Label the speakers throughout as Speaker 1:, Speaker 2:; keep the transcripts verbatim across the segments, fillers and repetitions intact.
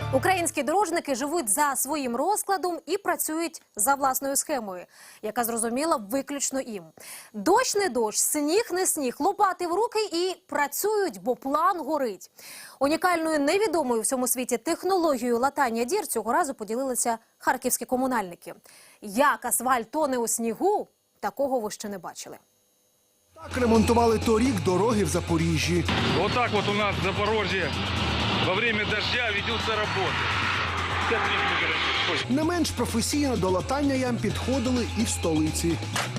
Speaker 1: Українські дорожники живуть за своїм розкладом і працюють за власною схемою, яка зрозуміла виключно їм. Дощ не дощ, сніг не сніг, лопати в руки і працюють, бо план горить. Унікальною невідомою в цьому світі технологією латання дір цього разу поділилися харківські комунальники. Як асфальт тоне у снігу, такого ви ще не бачили.
Speaker 2: Так ремонтували торік дороги в Запоріжжі.
Speaker 3: Вот так вот у нас в Запорожье во время дождя ведутся работы.
Speaker 2: Не менш професійно до латання ям підходили і в столиці.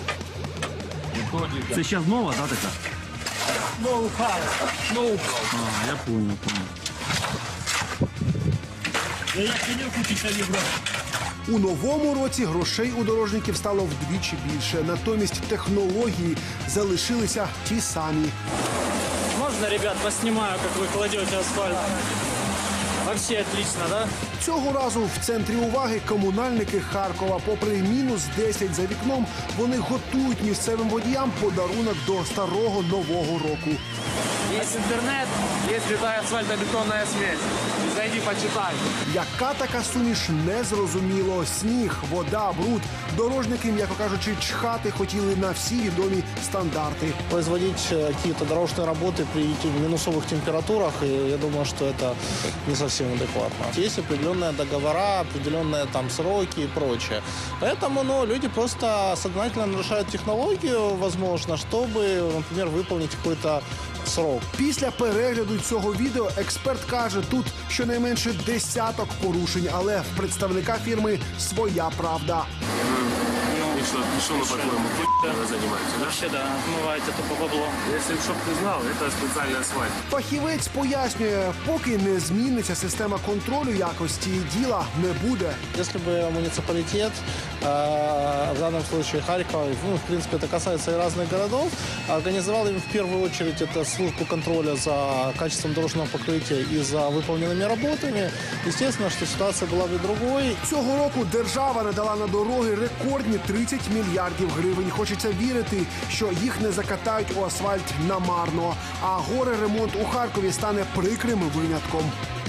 Speaker 4: Це ще нова, да, така?
Speaker 3: Ноу-хау. Ноу-хау.
Speaker 4: А, я понял, понял.
Speaker 2: У новому році грошей у дорожників стало вдвічі більше. Натомість технології залишилися ті самі.
Speaker 5: Можно, ребят, поснимаю, как вы кладете асфальт? Вообще отлично, да?
Speaker 2: Цього разу в центрі уваги комунальники Харкова. Попри мінус десять за вікном, вони готують місцевим водіям подарунок до старого нового року.
Speaker 6: Есть интернет, есть святая асфальтобетонная смесь. Зайди, почитай.
Speaker 2: Яка така суміш, не зрозуміло. Сніг, вода, бруд. Дорожники, м'яко кажучи, чхати хотіли на всі відомі стандарти.
Speaker 7: Производить какие-то дорожные работы при минусовых температурах, и я думаю, что это не совсем адекватно. Есть определенные договора, определенные там сроки и прочее. Поэтому ну, люди просто сознательно нарушают технологию, возможно, чтобы, например, выполнить какой-то срок.
Speaker 2: Після перегляду цього відео експерт каже, тут щонайменше десяток порушень, але в представника фірми своя правда.
Speaker 6: И что, что мы, по-твоему, хуй занимаемся, да?
Speaker 5: Вообще, да, отмываете тупо бабло.
Speaker 6: Если чтоб ты знал, это специальный асфальт.
Speaker 2: Фахівець пояснює, поки не зміниться система контролю якості, діла не буде.
Speaker 7: Если бы муниципалитет, э, в данном случае Харькова, ну, в принципе, это касается и разных городов, организовал им в первую очередь это службу контроля за качеством дорожного покрытия и за выполненными работами, естественно, что ситуация была бы другой.
Speaker 2: Цього року держава надала на дороги рекордні тридцять мільярдів гривень. Хочеться вірити, що їх не закатають у асфальт намарно. А горе-ремонт у Харкові стане прикрим винятком.